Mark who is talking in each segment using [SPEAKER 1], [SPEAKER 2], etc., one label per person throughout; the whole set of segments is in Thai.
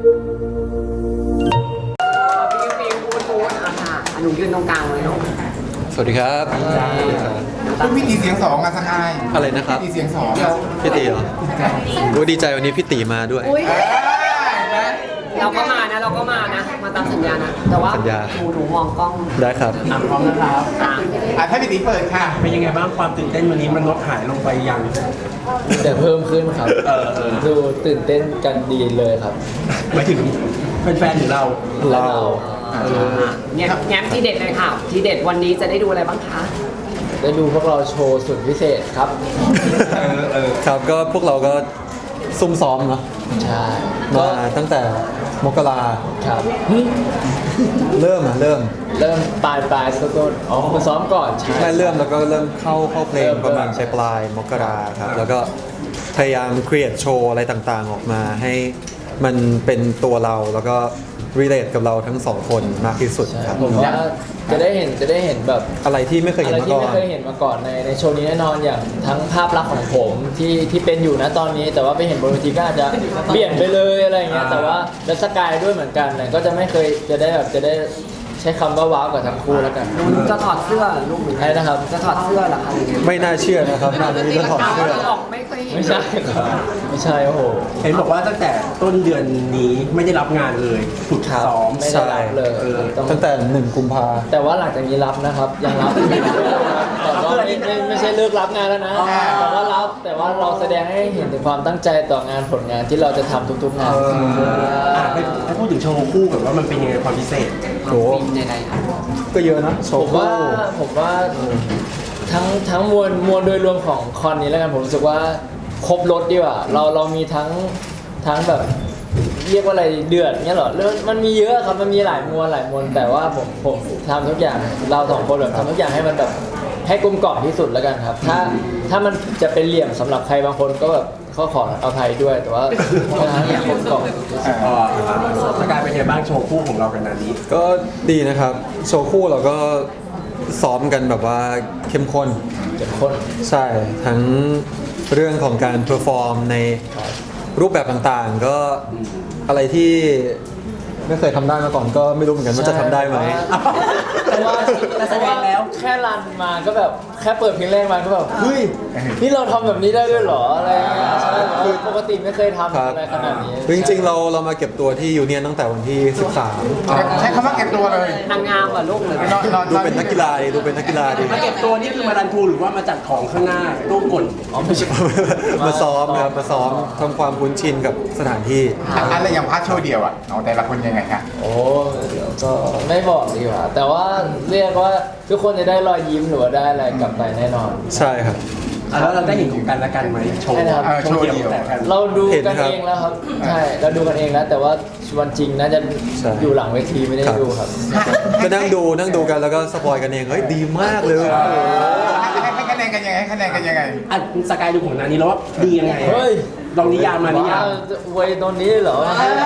[SPEAKER 1] ฟิวพูดอ่ะค่ะหนูยืนตรงกลางเลยเนาะ
[SPEAKER 2] สวัสดีครับ
[SPEAKER 3] คุณพี่ตีเสียงสองอะสกาย
[SPEAKER 2] อะไรนะครับ
[SPEAKER 3] พี่ตีเสียงสอง
[SPEAKER 2] พี่ตีเหรอโอ้ดีใจวันนี้พี่ตีมาด้วย
[SPEAKER 1] เราก็มานะมาตามสัญญานะแต่ว่า
[SPEAKER 2] สัญญา
[SPEAKER 1] หนูมองกล้อง
[SPEAKER 2] ได้ครับ
[SPEAKER 4] พร้อมนะครับ
[SPEAKER 3] ถ้าพี่ตีเปิดค่ะ
[SPEAKER 4] เป็นยังไงบ้างความตื่นเต้นวันนี้มันลดหายลงไปยัง
[SPEAKER 5] แต่เพิ่มขึ้นครับดูตื่นเต้นกันดีเลยครับ
[SPEAKER 4] หมายถึงแฟนๆหรือเรา
[SPEAKER 5] เรา
[SPEAKER 1] เนี่ยแง้มที่เด็ดเลยค่ะ ที่เด็ดวันนี้จะได้ดูอะไรบ้างคะ
[SPEAKER 5] ได้ดูพวกเราโชว์สุดพิเศษครับ
[SPEAKER 2] ครับก็พวกเราก็ซุ่มซ้อมเนาะ
[SPEAKER 5] ใช่
[SPEAKER 2] มาตั้งแต่มกรา
[SPEAKER 5] ครับ
[SPEAKER 2] เริ่ม
[SPEAKER 5] เริ่มปลายสักต้นอ๋อคุณซ้อมก่อนใช่
[SPEAKER 2] ไม่เริ่มแล้วก็เริ่มเข้าเพลง
[SPEAKER 5] เริ่ม
[SPEAKER 2] ประมาณปลายมกราครับแล้วก็พยายามครีเอทโชว์อะไรต่างๆออกมาให้มันเป็นตัวเราแล้วก็ relate กับเราทั้งสองคนมากที่สุด
[SPEAKER 5] ใช่
[SPEAKER 2] ครับ
[SPEAKER 5] ผมว่าจะได้เห็นแบบ
[SPEAKER 2] อะไรที่ไม่เคย
[SPEAKER 5] อะ
[SPEAKER 2] เห็น
[SPEAKER 5] ไร
[SPEAKER 2] มา
[SPEAKER 5] ที่
[SPEAKER 2] ก่อ
[SPEAKER 5] ไม่
[SPEAKER 2] น
[SPEAKER 5] เคยเห็นมาก่อนในโชว์นี้แน่นอนอย่างทั้งภาพลักษณ์ของผมที่เป็นอยู่นะตอนนี้ แต่ว่าไปเห็นบนเวทีก็อาจจะเปลี่ยนไปเลยอะไรอย่างเงี้ยแต่ว่าแล้วสกายด้วยเหมือนกันเนี่ยก็จะไม่เคยจะได้ใช้คำว่าว้าวกับทั้งคู่แล้วกัน
[SPEAKER 1] หนูจะถอดเสื้อลูกหนู
[SPEAKER 5] ใช่นะครับ
[SPEAKER 1] จะถอดเสื้อเหรอคะ
[SPEAKER 2] ไม่น่าเชื่อนะครับงานนี้ก็ถอดเสื้อ
[SPEAKER 1] ออกไม่เคยเห็น
[SPEAKER 5] ไม่ใช่ครับไม่ใช่โอ้โห
[SPEAKER 4] เห็นบอกว่าตั้งแต่ต้นเดือนนี้ไม่ได้รับงานเลยฝึกซ้อม
[SPEAKER 5] ไม่ได้รับเลยต้อง
[SPEAKER 2] ตั้งแต่1 กุมภา
[SPEAKER 5] แต่ว่าหลังจากนี้รับนะครับ ยังรับแต่ว่าไม่ใช่เลิกรับงานแล้วนะแต่ว่ารับแต่ว่าเราแสดงให้เห็นถึงความตั้งใจต่องานผลงานที่เราจะทำทุกๆงาน
[SPEAKER 4] ให้พูดถึงโชว์คู่แบบว่ามันเป็นยังไงความพิเศษ
[SPEAKER 2] โห
[SPEAKER 1] ฟินใดๆค่ะ
[SPEAKER 2] ก็เยอะนะโช
[SPEAKER 5] ผ
[SPEAKER 2] ว์
[SPEAKER 5] มว่าทั้งมวลโดยรวมของคอนนี้แล้วกันผมรู้สึกว่าครบรถดีกว่าเรามีทั้งแบบเรียกว่าอะไรเดือดเงี้ยเหรอเรื่องมันมีเยอะครับมันมีหลายมวลแต่ว่าผมทำทุกอย่างเราสองคนแบบทำทุกอย่างให้มันแบบให้กลมกล่อมที่สุดแล้วกันครับ ถ้ามันจะเป็นเหลี่ยมสำหรับใครบางคนก็แบบเขาขออภัยด้วยแต่ว่าให้กลมกล่อมที่สุด
[SPEAKER 4] สกายเป็นยังไงบ้างโชว์คู่ของเรากันนานี้
[SPEAKER 2] ก็ดีนะครับ โชว์คู่เราก็ซ้อมกันแบบว่าเข้มข้น
[SPEAKER 5] เข้มข้น
[SPEAKER 2] ใช่ ทั้งเรื่องของการเพอร์ฟอร์มในรูปแบบต่างๆ ก็อะไรที่ไม่เคยทำได้มาก่อนก็ไม่รู้เหมือนกันว่าจะทำได้ไหม
[SPEAKER 5] แต่ว่าแสดงแล้วแค่รันมาก็แบบแค่เปิดเพลงแรกมาก็แบบเฮ้ยนี่เราทำแบบนี้ได้ด้วยเหรออะไรอย่างเงี้ยใช่คือปกติไม่เคยทำอะไรขนาดนี้
[SPEAKER 2] จริงๆเรามาเก็บตัวที่ยูเนียนตั้งแต่วันที่
[SPEAKER 3] ใช้คำว่าเก็บตัวเลย
[SPEAKER 1] นางงามเหรอลูกหรือ
[SPEAKER 2] 13 ดูเป็นนักกีฬาดีดูเป็นนักกีฬาดี
[SPEAKER 4] มาเก็บตัวนี่คือมารันทูหรือว่ามาจัดของข้างหน้าตู้กด
[SPEAKER 5] อ๋อไม่ใช่
[SPEAKER 2] มาซ้อมครับมาซ้อมทำความคุ้นชินกับสถานที่
[SPEAKER 3] อะไรอย่างพาร์ทโชว์เดียวอะเอาแต่ละคนยังไงคะ
[SPEAKER 5] โอ้เดี๋ยวก็ไม่บอกดีกว่าแต่ว่าเรียกว่าทุกคนจะได้รอยยิ้มหรือว่าได้อะไรกลับไปแน่นอน
[SPEAKER 2] ใช่ครับ
[SPEAKER 4] แล้วเราได้เห็นของกันและกันไหมโชว์
[SPEAKER 5] ใช่ครับ
[SPEAKER 4] โชว์เดียวแต่กัน
[SPEAKER 5] เราดู
[SPEAKER 2] เห็น
[SPEAKER 5] กัน
[SPEAKER 2] ครับ
[SPEAKER 5] เองแล้วครับใช่เราดูกันเองแล้วแต่ว่าวันจริงน่าจะ
[SPEAKER 2] ใช่
[SPEAKER 5] อยู่หลังเวทีไม่ได้ดูครับ
[SPEAKER 2] ก็นั่งดูกันแล้วก็สปอยกันเองเฮ้ยดีมากเลย
[SPEAKER 3] ให้คะแนนกันยังไงให้คะแนนกันยังไง
[SPEAKER 4] อ่ะสกายดูของนานี้แล้วว่าดียังไง
[SPEAKER 5] เฮ้ย
[SPEAKER 4] ลองนิยามมานิยาม
[SPEAKER 5] เวยตรงนี้เหรอ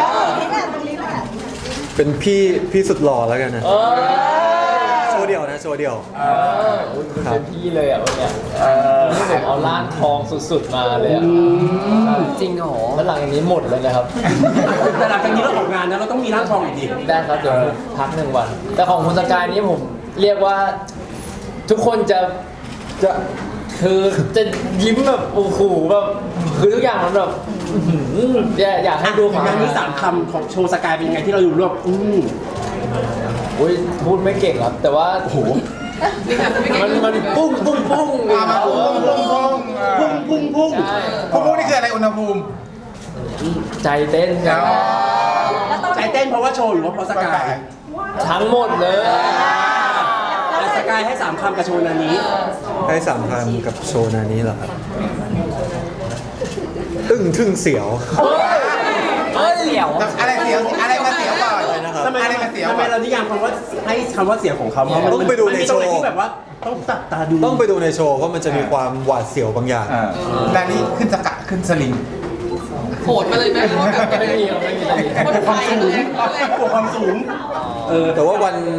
[SPEAKER 2] เป็นพี่สุดหล่อแล้วกันนะ
[SPEAKER 5] เออ
[SPEAKER 2] โชว์เดียวนะโชว์เดียว
[SPEAKER 5] อุ๊ยคุณเป็นพี่เลยอ่ะวันเนี้ยนี่ผมเอาล้านทองสุดๆมาเลยอ่ะ
[SPEAKER 1] จริงเหรอ
[SPEAKER 5] แล้วหลังจากนี้หมดเลยนะครับ
[SPEAKER 4] แต่หลังจากนี้เราออกงานนะเราต้องมีร่างทองอีกดิ
[SPEAKER 5] ได้ครับเดี๋ยวพัก1 วัน แต่ของคุณสกายนี้ผมเรียกว่าทุกคนจะคือจะยิ้มแบบโอ้โหแบบคือทุกอย่างมันแบบอื้อหืออยากให้ดูของ
[SPEAKER 4] งานนี้3 คำของโชว์สกายเป็นยังไงที่เราอยู่รวบ
[SPEAKER 5] อุ้ยพูดไม่เก่งครับ แต่ว่าโอ้โหมันปุ้งปุ้งปุ้ง
[SPEAKER 3] มาพุ่ง
[SPEAKER 4] พุ่ง
[SPEAKER 5] ใช่
[SPEAKER 3] พุ่งนี่คืออะไรอุณหภูมิ
[SPEAKER 5] ใจเต้นครับ
[SPEAKER 4] ใจเต้นเพราะว่าโชว์หรือว่าเพราะสกาย
[SPEAKER 5] ทั้งหมดเลย
[SPEAKER 4] แต่สกายให้3 คำกับโชว์นานี้
[SPEAKER 2] ให้3 คำกับโชว์นานี้เหรอครับอึ้งทึ่งเสียว
[SPEAKER 5] เฮ้ย
[SPEAKER 1] เสี่ยว
[SPEAKER 3] อะไรเสียวอะไรมาเสียวก่อน
[SPEAKER 2] นะครับ
[SPEAKER 4] ทำไม
[SPEAKER 3] อะไรมาเสียว
[SPEAKER 4] ทำไมเรานิยามคำว่าให้คำว่าเสียงของเขาเพราะมัน
[SPEAKER 2] ต้องไปดูในโชว์
[SPEAKER 4] มันมีตรงไหนที่แบบว่าต้องตัดตาดู
[SPEAKER 2] ต้องไปดูในโชว์เพราะมันจะมีความหวาดเสียวบางอย่าง
[SPEAKER 3] ด้านนี้ขึ้นสกัดขึ้นสลิง
[SPEAKER 1] โหดมาเลยไหมว่าแบบ
[SPEAKER 5] ไม่มีครับไม่มี
[SPEAKER 4] กลัวความสูงกลัวความสูง
[SPEAKER 2] แต่ว่าวัน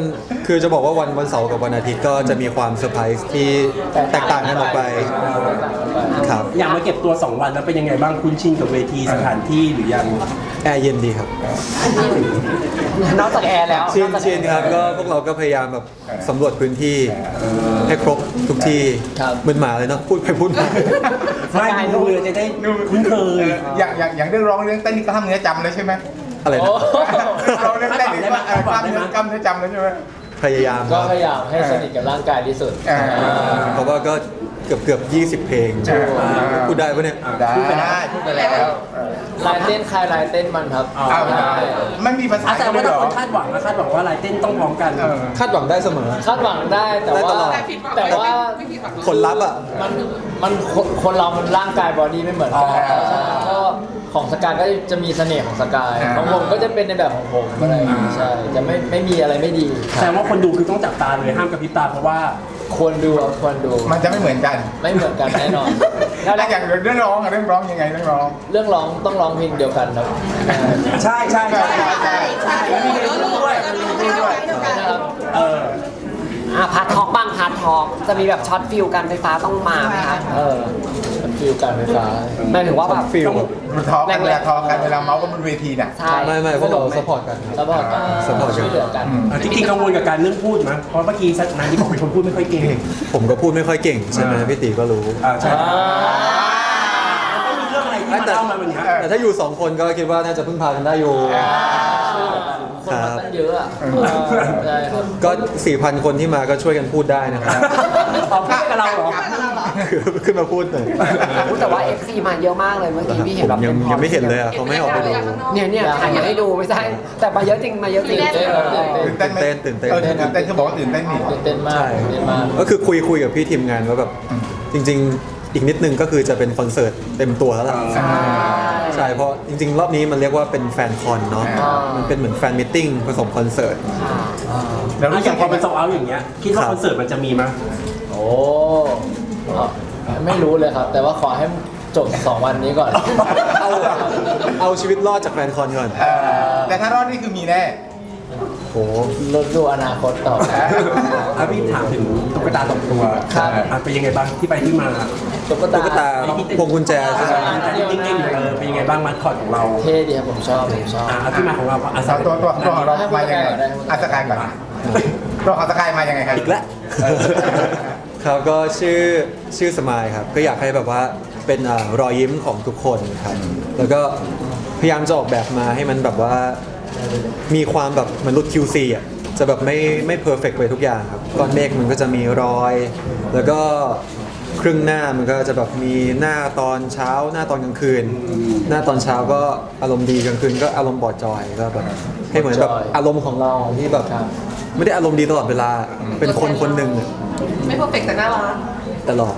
[SPEAKER 2] คือจะบอกว่าวันเสาร์กับวันอาทิตย์ก็จะมีความเซอร์ไพรส์ที่แตกต่างกันออกไปครับ
[SPEAKER 4] อย่างมาเก็บตัว 2 วันแล้วเป็นยังไงบ้างคุ้นชินกับเวทีสถานที่หรือยัง
[SPEAKER 2] แอร์เย็นดีครับ
[SPEAKER 1] นอกจากแอร์แล้ว
[SPEAKER 2] ชินครับก็พวกเราก็พยายามแบบสำรวจพื้นที่ให้ครบทุกที่เหมือนหมาเลยเนาะพูดไปพูดมา
[SPEAKER 4] ไม่ดูเลยจะได้คุ้นเคย
[SPEAKER 3] อย่างเรื่องร้องเรื่องเต้นนี่กล้ามเนื้อจำเลยใช่ไหม
[SPEAKER 2] อะไรนะ
[SPEAKER 3] ร้องเรื่องเต้นนี่ว่ากล้ามเนื้อจำเลยใช่ไหม
[SPEAKER 2] พยายามค
[SPEAKER 5] ก็
[SPEAKER 2] รับ
[SPEAKER 5] พยายามให้สนิทกับร่างกายที่สุด
[SPEAKER 2] เพราะว่าก็เกือบ20 เพลงพูดได้ปะเนี่ย
[SPEAKER 3] ได้พูดไปแล้ว
[SPEAKER 5] ลายเต้นใครลายเต้นมันครับ
[SPEAKER 3] เอาได้ไม่มีภาษา
[SPEAKER 4] แต่ว่าถ้าคนคาดหวังนะคาดหวังว่าลายเต้นต้องพร้อมกัน
[SPEAKER 2] คาดหวังได้เสมอ
[SPEAKER 5] คาดหวังได้แต่
[SPEAKER 2] ได้ต
[SPEAKER 5] ว่า
[SPEAKER 2] ลอด
[SPEAKER 5] แต่ว่า
[SPEAKER 2] ผลลัพธ์อ่ะ
[SPEAKER 5] มันคนเรามันร่างกายบอดี้ไม่เหมือนกันก็ของสกายก็จะมีเสน่ห์ของสกายของผมก็จะเป็นในแบบของผมอะไรอย่างงี้ใช่จะไม่มีอะไรไม่ดี
[SPEAKER 4] แต่ว่าคนดูคือต้องจับตาเลยห้ามกระพริบตาเพราะว่า
[SPEAKER 5] ควรดูครับควรดู
[SPEAKER 3] มันจะไม่เหมือนกัน
[SPEAKER 5] ไม่เหมือนกันแน่นอน
[SPEAKER 3] แล้วอย่างเรื่องร้องอะเรื่องร้องยังไงเรื่องร้อง
[SPEAKER 5] เรื่องร้องต้องร้องเพลงเดียวกันครับ
[SPEAKER 4] ใช่ใช่ใช่
[SPEAKER 3] ใช่
[SPEAKER 4] มีเพลงด้วยมีเพลงด้วย
[SPEAKER 5] นะครับ
[SPEAKER 1] พาร์ททอล์กบ้างพาร์ททอล์กจะมีแบบช็อตฟิลกันไฟฟ้าต้องมาไหมคะ
[SPEAKER 5] ฟิลการไฟฟ้า
[SPEAKER 1] หมายถึงว่าแบบ
[SPEAKER 2] ฟิลแบบ
[SPEAKER 3] มันทอกันเวลาทอกันเวลาเมาส์กันบนเวทีน่ะ
[SPEAKER 1] ใช่
[SPEAKER 2] ไม่พวกเราสปอร์ตกันครับ
[SPEAKER 5] ซัพพอร์ตกัน
[SPEAKER 2] support กัน
[SPEAKER 5] ช่วยเหลือกัน
[SPEAKER 4] จริงๆกังวลกับการเรื่องพูดมั้ยเพราะเมื่อกี้นายที่บอกเป็นคนพูดไม่ค่อยเก่ง
[SPEAKER 2] ผมก็พูดไม่ค่อยเก่งใช่ไหมพี่ตีก็รู้
[SPEAKER 4] ใช่ต้องมีเรื่องอะไรที่มาเล่ามาวันนี้
[SPEAKER 2] แต่ถ้าอยู่ 2 คนก็คิดว่าน่าจะพึ่งพากันได้อยู่
[SPEAKER 5] คนมาตั้งเยอะอ่ะใช่ครับ
[SPEAKER 2] ก็ 4,000 คนที่มาก็ช่วยกันพูดได้นะครับ
[SPEAKER 4] เอาพูดกับเราเหรอ
[SPEAKER 2] คือขึ้นมาพูดหน่อย
[SPEAKER 1] แต่ว่า FC มาเยอะมากเลยเมื่อกี้พี่เห็น
[SPEAKER 2] ผ
[SPEAKER 1] แบ
[SPEAKER 2] ม
[SPEAKER 1] บ
[SPEAKER 2] ยังไม่เห็นเลยอ่ะเขาไม่ให้ออกไปดู
[SPEAKER 1] เนี่ยถ่ายให้ดูไม่ใช่ แต่มาเยอะจริงมาเยอะจริง
[SPEAKER 3] ตื่นเต้นไหม
[SPEAKER 2] ตื่นเต้น
[SPEAKER 3] ตื่นเต้นคือบอกว่าตื่นเต้นนี่
[SPEAKER 5] ตื่นเต้นมาก
[SPEAKER 2] ใช่
[SPEAKER 5] ตื่นเต้นมาก
[SPEAKER 2] ก็คือคุยกับพี่ทีมงานว่าแบบจริง ๆ อีกนิดนึงก็คือจะเป็นคอนเสิร์ตเต็มตัวแล้วล่ะใช่เพราะจริง ๆ รอบนี้มันเรียกว่าเป็นแฟนคอนเนาะมันเป็นเหมือนแฟนมิทติ้งผสมคอนเสิร์ต
[SPEAKER 3] แล้วรู้
[SPEAKER 4] อ
[SPEAKER 3] สึ
[SPEAKER 4] ย่าก งพอเป็นโซเอาอย่างเงี้ยคิดว่าคอนเสิร์ตมันจะมีมั้ย
[SPEAKER 5] โอ้ไม่รู้เลยครับ แต่ว่าขอให้จบ 2 วันนี้ก่อน
[SPEAKER 2] เอาชีวิตรอดจากแฟนคอนก่อน
[SPEAKER 3] แต่ถ้ารอดนี่คือมีแน่
[SPEAKER 2] โห
[SPEAKER 5] ลดดูอนาคตต่อไป
[SPEAKER 4] พี่ถามถึงตุ๊กตาสองตัว
[SPEAKER 5] ครับ
[SPEAKER 4] เป็นยังไงบ้างที่ไปที่มา
[SPEAKER 5] ตุ๊ก
[SPEAKER 2] ตุ๊กตาพวงกุญแจใช่ไหม
[SPEAKER 4] แต่ที่เก่งๆเป็นยังไงบ้างมัดคอร์ดของเรา
[SPEAKER 5] เท่ดีครับผมชอบ
[SPEAKER 4] ที่มาของเรา
[SPEAKER 3] ตัวของเรามายังไงอาสกายก่อนตัวของสกายมายังไงครับ
[SPEAKER 2] อีกแล้ว ครับก็ชื่อสมายครับ ก็อยากให้แบบว่าเป็นรอยยิ้มของทุกคนครับ แล้วก็พยายามจะออกแบบมาให้มันแบบว่ามีความแบบมนุษย์ QC อ่ะจะแบบไม่เพอร์เฟกไปทุกอย่างครับก้อนเมฆมันก็จะมีรอย แล้วก็ครึ่งหน้ามันก็จะแบบมีหน้าตอนเช้าหน้าตอนกลางคืน หน้าตอนเช้าก็อารมณ์ดีกลางคืนก็อารมณ์บอดจอยก็แบบให้เหมือนแบบอารมณ์ของเราที่แบบไม่ได้อารมณ์ดีตลอดเวลาเป็นคนคนหนึ่งอะ
[SPEAKER 6] ไม่เพอร์เฟกต์แต่น่ารัก
[SPEAKER 2] ตลอด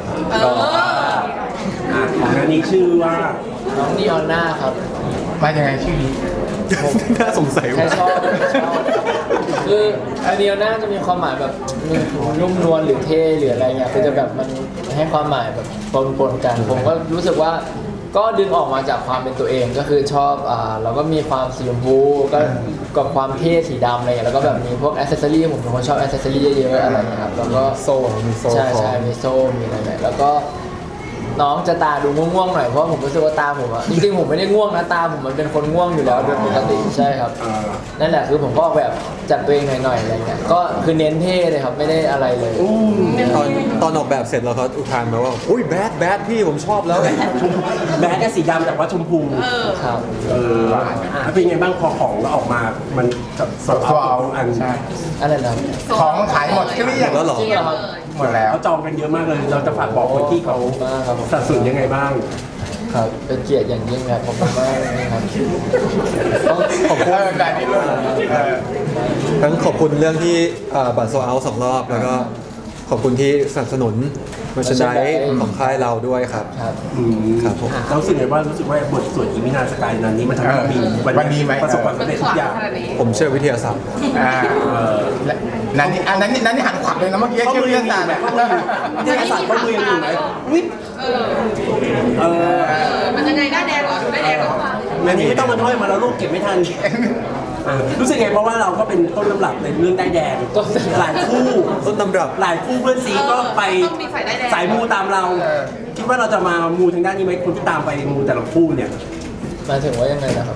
[SPEAKER 4] ของนั้นนี้ชื่อว่า
[SPEAKER 5] น้องนีออนหน้าครับ
[SPEAKER 3] มายังไงชื่อนี้
[SPEAKER 2] น่าสงสัย
[SPEAKER 5] แค่
[SPEAKER 2] ว่า
[SPEAKER 5] ชอบคือนีออนหน้าจะมีความหมายแบบนุ่มนวลหรือเท่หรืออะไรเงี้ยคือจะแบบมันให้ความหมายแบบปนๆกัน ผมก็รู้สึกว่าก็ดึงออกมาจากความเป็นตัวเองก็คือชอบเราก็มีความสีชมพูก็กับความเท่สีดำอะไรเงี้ยแล้วก็แบบมีพวกอ c เซสซอรี่ผมเป็นคนชอบอ c เซสซอรี่เยอะๆอะไรเงี้ยครับแล้วก็
[SPEAKER 2] โซ่มีโซ่
[SPEAKER 5] ใช่
[SPEAKER 2] ของ
[SPEAKER 5] ใช่มีโซ่มีอะไรแบบแล้วก็น้องจะตาดูง่วงๆหน่อยเพราะผมรู้สึกว่าตาผมอะจริงๆผมไม่ได้ง่วงนะตาผมมันเป็นคนง่วงอยู่แล้วโดยปกติใช่ครับนั่นแหละคือผมก็ออกแบบจัดตัวเองหน่อยๆอะไรเงี้ยก็คือเน้นเท่เลยครับไม่ได้อะไรเลย
[SPEAKER 2] ตอนออกแบบเสร็จแล้วเขาอุทานมาว่าอุ้ยแบดพี่ผมชอบแล้ว
[SPEAKER 4] แบดแค่สีดำแต่ว่าชมพู
[SPEAKER 5] ครับ
[SPEAKER 4] เป็นยังไงบ้างพอของเราออกมา มันโซเอาอัน
[SPEAKER 3] ใช่
[SPEAKER 5] อะไรนะครับ
[SPEAKER 3] ของขายหมดเกลี้ยง
[SPEAKER 2] แล้วเหรอ
[SPEAKER 5] จริงเหรอครับ
[SPEAKER 3] หมดแล้ว
[SPEAKER 4] เขาจองกันเยอะมากเลย เราจะฝากบอกคนที่เขา
[SPEAKER 5] มากครับผม
[SPEAKER 4] สนับสนุนยังไงบ้าง
[SPEAKER 5] ครับเป็นเกียรติอย่างยิ่งครับผมมากเลยครับ
[SPEAKER 2] ต้องขอบคุณ
[SPEAKER 3] ได้นี่ด้วย
[SPEAKER 2] ทั้งขอบคุณเรื่องที่บัตรโซเอา2 รอบ แล้วก็ขอบคุณที่สนับสนุนมาชนได้ของค่ายเราด้วยครับ
[SPEAKER 5] ครับ
[SPEAKER 2] ครับผม
[SPEAKER 4] เรารู้สึกไงว่าบทสวดอีมินาสกายนั้นนี้มันทำให้เรามีประสบความสำเร็จทุกอย่าง
[SPEAKER 2] ผมเชื่อวิทยาศาสตร์
[SPEAKER 3] นั่นนี่หันขวับเลยนะเมื่อกี้
[SPEAKER 4] ข้อ
[SPEAKER 3] เชื่อ
[SPEAKER 4] มือ
[SPEAKER 3] เรื่
[SPEAKER 4] ยั
[SPEAKER 3] อง
[SPEAKER 4] งอยู่
[SPEAKER 3] ต่าง
[SPEAKER 4] ไหมข้อมือวิทยาศาสตร์ข้อมือยังอยู่ไหมวิท
[SPEAKER 6] มันยังไงหน้าแดงเหรอดูหน้าแดงเหรอ
[SPEAKER 4] อันนี้ไม่ต้องมาถ้อยมาแล้วลูกเก็บไม่ทันรู้สึกไงเพราะว่าเราก็เป็นต้นตำรับในเรื่องได้ายแดงหลายคู่
[SPEAKER 2] ต้นตำรับ
[SPEAKER 4] หลายคู่เพื่อนซีก็ไปสายมูตามเรา คิดว่าเราจะมามูทางด้านนี้ไหมคนที่ตามไปมูแต่ละคู่เนี่ย
[SPEAKER 5] หมายถึงว่ายังไงนะครับ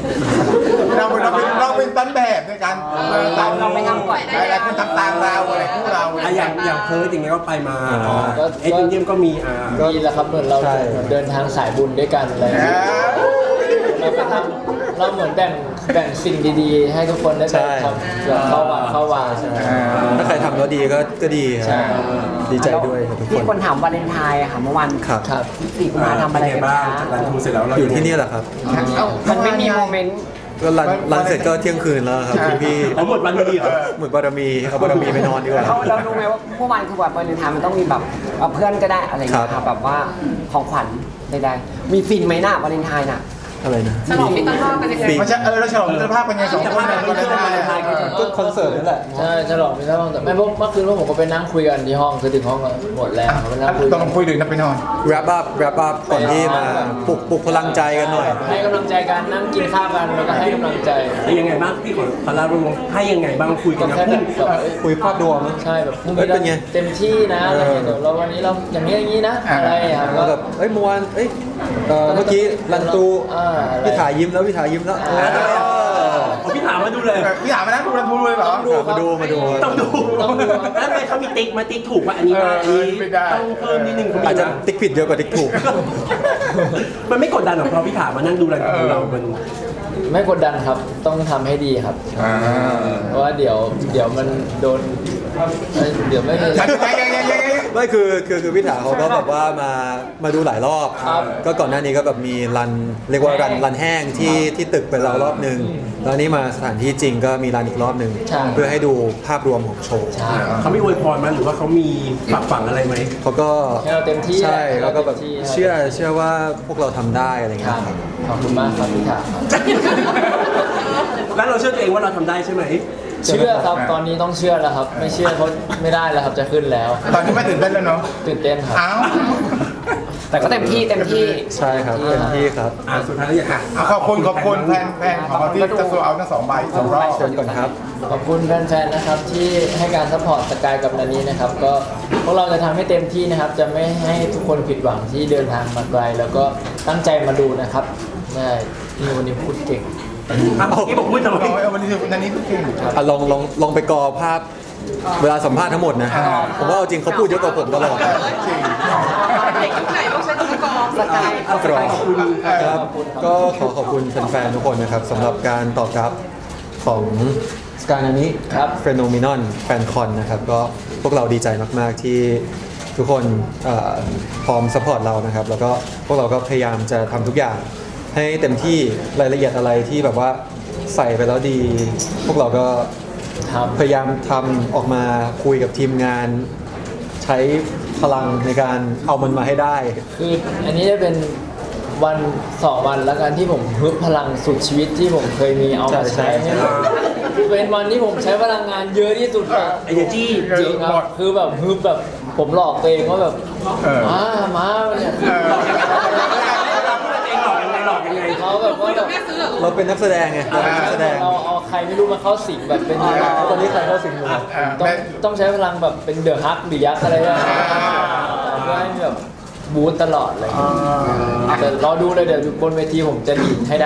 [SPEAKER 3] เราเป็นต้นแบบในการ
[SPEAKER 1] เราไม่ทำก่อน
[SPEAKER 3] หลายคนทำตามเราอะไรคู่เรา
[SPEAKER 4] อย่างเพิร์ดอย่างเงี้ยก็ไปมา
[SPEAKER 5] ก็
[SPEAKER 4] เอ็ดวินเดียมก็มี
[SPEAKER 5] ดีแล้วครับเหมือนเรา
[SPEAKER 2] ใช่
[SPEAKER 5] เดินทางสายบุญด้วยกันอะไรอย่างเงี้ยเราไปทำเราเหมือนแบ่งสิ่งดีๆ ให้ทุกคนได้ไปทำแบบเข้าวัดเข้าวาใช่ไหม
[SPEAKER 2] ถ้าใครทำแล้วดีก็ดีค
[SPEAKER 5] ใช่
[SPEAKER 2] รับดีใจด้วยครับทุกค
[SPEAKER 1] ที่
[SPEAKER 2] น
[SPEAKER 1] คนถามวาเลนไทน์อะค่ะเมื่อวัน
[SPEAKER 2] ครับ
[SPEAKER 5] ครับ
[SPEAKER 1] 4 กุมภาพันธ์ทำอะไร
[SPEAKER 4] เป็นไง
[SPEAKER 1] กัน
[SPEAKER 4] บ้าง
[SPEAKER 1] คะ
[SPEAKER 4] จากรันทูเสร็จแล้วเรา
[SPEAKER 2] อยู่ที่นี่แหละครับ
[SPEAKER 1] มันไม่มีโมเมนต์
[SPEAKER 2] ก็รันเสร็จก็เที่ยงคืนแล้วครับพี่
[SPEAKER 4] เอาหมดวันนี้เหรอ
[SPEAKER 2] เหมือนบารมีเอาบารมีไปนอนดีกว่า
[SPEAKER 1] เรารู้ไหมว่าเมื่อวานคือวันวาเลนไทน์มันต้องมีแบบเพื่อนก็ได้อะไรอย่างเงี้ย
[SPEAKER 2] ครั
[SPEAKER 1] ค่ะ
[SPEAKER 2] บ
[SPEAKER 1] แบบว่าของขวัญใดๆมีฟินไหมน่ะวาเลนไทน์น่ะ
[SPEAKER 2] อะไรนะ
[SPEAKER 6] ฉลองมิตรภาพกันยังไง
[SPEAKER 2] ปี
[SPEAKER 3] มันจะเราฉลองมิตรภาพเป็นไงสองคนเนี่ยก็ได้
[SPEAKER 2] ก็คอนเสิร์ตนั่นแหละ
[SPEAKER 5] ใช่ฉลองไม่ใช่ห้องแต่ไม่เพราะเมื่อคืนพวกผมก็ไปนั่งคุยกันที่ห้องคือถึงห้องก็หมดแล้วไปนั่งคุย
[SPEAKER 3] ต้
[SPEAKER 5] กั
[SPEAKER 3] อน งคุยดึกนะไปนอน
[SPEAKER 2] wrap up ก่อนที่มาปลุกพลังใจกันหน่อย
[SPEAKER 5] ให้กำลังใจกันนั่งกินข้าวกันแล้วก็ให้กำลังใจ
[SPEAKER 4] แล้วยังไงบ้างพี่ขอลาลงให้ยังไงบ้างคุยกั
[SPEAKER 5] ก็
[SPEAKER 4] นนะ
[SPEAKER 5] แค่
[SPEAKER 4] พู
[SPEAKER 5] แบ
[SPEAKER 4] ด
[SPEAKER 5] บเอ้ย
[SPEAKER 2] คุยภาพรวมนะ
[SPEAKER 5] ใช่แบบพรุ่ง
[SPEAKER 2] เอ้
[SPEAKER 5] นี้
[SPEAKER 2] ยเป็นไง
[SPEAKER 5] เต็มที่นะอะไรอย่างเงี้ยเดี๋ยวเราวันนี้เราอย่างนี้อย่างนี้นะอะไรครับ
[SPEAKER 2] แล้วแบบเอ้ยเมื่อวานเอ้ยเมื่อกี้รันตู
[SPEAKER 5] อะไร
[SPEAKER 2] พี่ถ่ายยิ้มแล้วพี่ถ่ายยิ้มแล้ว
[SPEAKER 4] พี่ถามมาดูเลย
[SPEAKER 3] พี่ถามมานะดูรันทูเลยเหรอ
[SPEAKER 2] มาดู
[SPEAKER 4] ต้องดูแล้วทำไมเขามีติ๊กมาติ๊กถูกว่าอันนี้ว่าอันนี้
[SPEAKER 3] ไม่ได้
[SPEAKER 4] ต้องเพิ่มนิดนึงเขามี
[SPEAKER 2] อาจจะ
[SPEAKER 4] นะ
[SPEAKER 2] ติ๊กผิดเยอะกว่าติ๊กถูก
[SPEAKER 4] มันไม่กดดันหรอกเพราะพี่ถามมานั่งดูรายการของเรามัน
[SPEAKER 5] ไม่กดดันครับต้องทำให้ดีครับ เพราะว่าเดี๋ยวมันโดนเดี๋ยวไม่มี
[SPEAKER 2] ไม่คือพี่ถาเขาก็แบบว่ามาดูหลายรอบ
[SPEAKER 5] ครับ
[SPEAKER 2] ก็ก่อนหน้านี้ก็แบบมีรันเรียกว่ารันแห้งที่ตึกไปแล้วรอบหนึ่งแล้วนี่มาสถานที่จริงก็มีรันอีกรอบหนึ่ง
[SPEAKER 5] ใช่
[SPEAKER 2] เพื่อให้ดูภาพรวมของโชว์
[SPEAKER 5] ใช่
[SPEAKER 4] เขาไม่อวยพรมันหรือว่าเขามีปรับฝังอะไรไหม
[SPEAKER 2] เขาก็
[SPEAKER 5] ให้เราเต็มที่
[SPEAKER 2] ใช่แล้วก็แบบ
[SPEAKER 5] ให้เราเต็มที่
[SPEAKER 2] เชื่อว่าพวกเราทำได้อะไรเงี้
[SPEAKER 5] ค
[SPEAKER 2] ย
[SPEAKER 5] รับ
[SPEAKER 2] ครับ
[SPEAKER 5] ขอบคุณมากครับพี่ถาครับ
[SPEAKER 4] แล้วเราเชื่อตัวเองว่าเราทำได้ใช่ไหม
[SPEAKER 5] เชื่อครับตอนนี้ต้องเชื่อแล้วครับ ไม่เชื่อเขาไม่ได้แล้วครับจะขึ้นแล้ว
[SPEAKER 3] ตอนนี้ไม่ตื่นเต้นแล้วเนาะ
[SPEAKER 5] ตื่นเต้นครับ
[SPEAKER 3] อ้าว
[SPEAKER 1] แต่ก็เต็มที่
[SPEAKER 2] ใช่ครับเต็มที่ครับ
[SPEAKER 4] สุดท้ายแล้วอยาก
[SPEAKER 3] ขอบคุณแฟนของเราที่จะโซเอาทั้ง2 ใบ2 รอบ
[SPEAKER 2] เชิญก่อนครับ
[SPEAKER 5] ขอบคุณแฟนๆนะครับที่ให้การซัพพอร์ตสกายกับนันนี้นะครับ ก็พวกเราจะทำให้เต็มที่นะครับ จะไม่ให้ทุกคนผิดหวังที่เดินทางมาไกล แล้วก็ตั้งใจมาดูนะครับได้ที่วันนี้พูดเก่ง
[SPEAKER 4] ที่บอกพูดทำไม
[SPEAKER 3] วันนี้นันนี้เก่ง
[SPEAKER 2] ลองไปกอภาพเวลาสัมภาษณ์ทั้งหมดนะ ผมว่าเอาจริงเขาพูดเยอะกว่าผมตลอด
[SPEAKER 6] เด็กยุคไหนต้องใช้อุปกรณ์
[SPEAKER 1] สกาย
[SPEAKER 2] กรอบครับก็ขอบคุณแฟนๆทุกคนนะครับสำหรับการตอบรับของสกายนานี้
[SPEAKER 5] ครับ
[SPEAKER 2] เฟโนมินอนแฟนคอนนะครับก็พวกเราดีใจมากๆที่ทุกคนพร้อมสปอร์ตเรานะครับ แล้วก็พวกเราก็พยายามจะทำทุกอย่างให้เต็มที่รายละเอียดอะไรที่แบบว่าใส่ไปแล้วดี พวกเราก็
[SPEAKER 5] ครับ
[SPEAKER 2] พยายามทำออกมาคุยกับทีมงาน ใช้พลังในการเอามันมาให้ได้
[SPEAKER 5] คืออันนี้จะเป็นวัน2 วันแล้วกันที่ผมฮึบพลังสุดชีวิตที่ผมเคยมีเอามาใช้ให้หมดเป็นวันที่ผมใช้พลังงานเยอะที่สุดอะ
[SPEAKER 4] เอเนจี
[SPEAKER 5] จริงครับคือแบบฮึบแบบผมหลอกตัวเองว่าแบบ มาเนี่ย
[SPEAKER 4] หลอกยังไงหลอกยังไง
[SPEAKER 5] เขาแบบว่าแบบ
[SPEAKER 6] แม่ซื้อเหรอ
[SPEAKER 2] เราเป็นนักแสดงไงเราเป็นนักแสดง
[SPEAKER 5] เราเอาใครไม่รู้มาเข้าสิงแบบเป็น
[SPEAKER 2] ตอนนี้ใครเข้าสิงอยู่ครับ
[SPEAKER 5] ต้องใช้พลังแบบเป็นเดอะฮักหรือยักษ์อะไรแบบนี้เพื่อให้แบบบูตตลอดเลยแต่รอดูเลยเดี๋ยวบนเวทีผมจะดีดให้ได้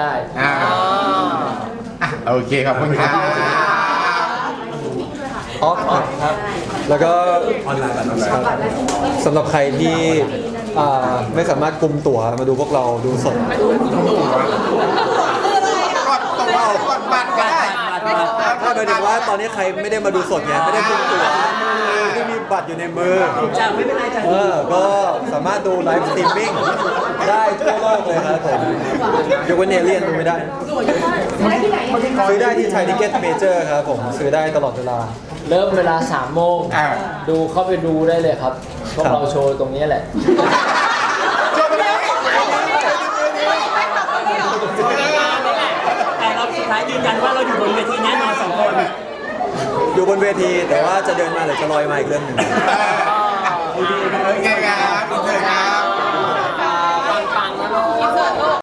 [SPEAKER 3] โอเคขอบคุณครับ
[SPEAKER 2] ออฟครับ
[SPEAKER 5] ครับ
[SPEAKER 2] แล้วก็
[SPEAKER 4] ออนไลน์แบบนั้น
[SPEAKER 2] ครับสำหรับใครที่ไม่สามารถกุมตั๋วมาดูพวกเราดูสด
[SPEAKER 3] กดบัตรก็ได้
[SPEAKER 2] ถ้าหมายถึงว่าตอนนี้ใครไม่ได้มาดูสดไงไม่ได้กุมตั๋วไม่ได้มีบัตรอยู่ในมือ
[SPEAKER 4] จ้าไม่เป็นไรจ้า
[SPEAKER 2] ก็สามารถดูไลฟ์สตรีมมิ่งได้ทั่วโลกเลยครับผมยกเว้นเอเลียนดูไม่ได้ ซื้อได้ที่ไทยทิเก็ตเมเจอร์ครับผมซื้อได้ตลอดเวลา
[SPEAKER 5] เริ่มเวลา3 โมง ดูเข้าไปดูได้เลยครับ พวกเราโชว์ตรงนี้แหละ
[SPEAKER 4] แต่เราสุดท้ายยืนยันว่าเราอยู่บนเวทีแน่นอน2 คน
[SPEAKER 2] อยู่บนเวทีแต่ว่าจะเดินมาหรือจะลอยมาอีกเรื่องหนึ่ง
[SPEAKER 3] โอเค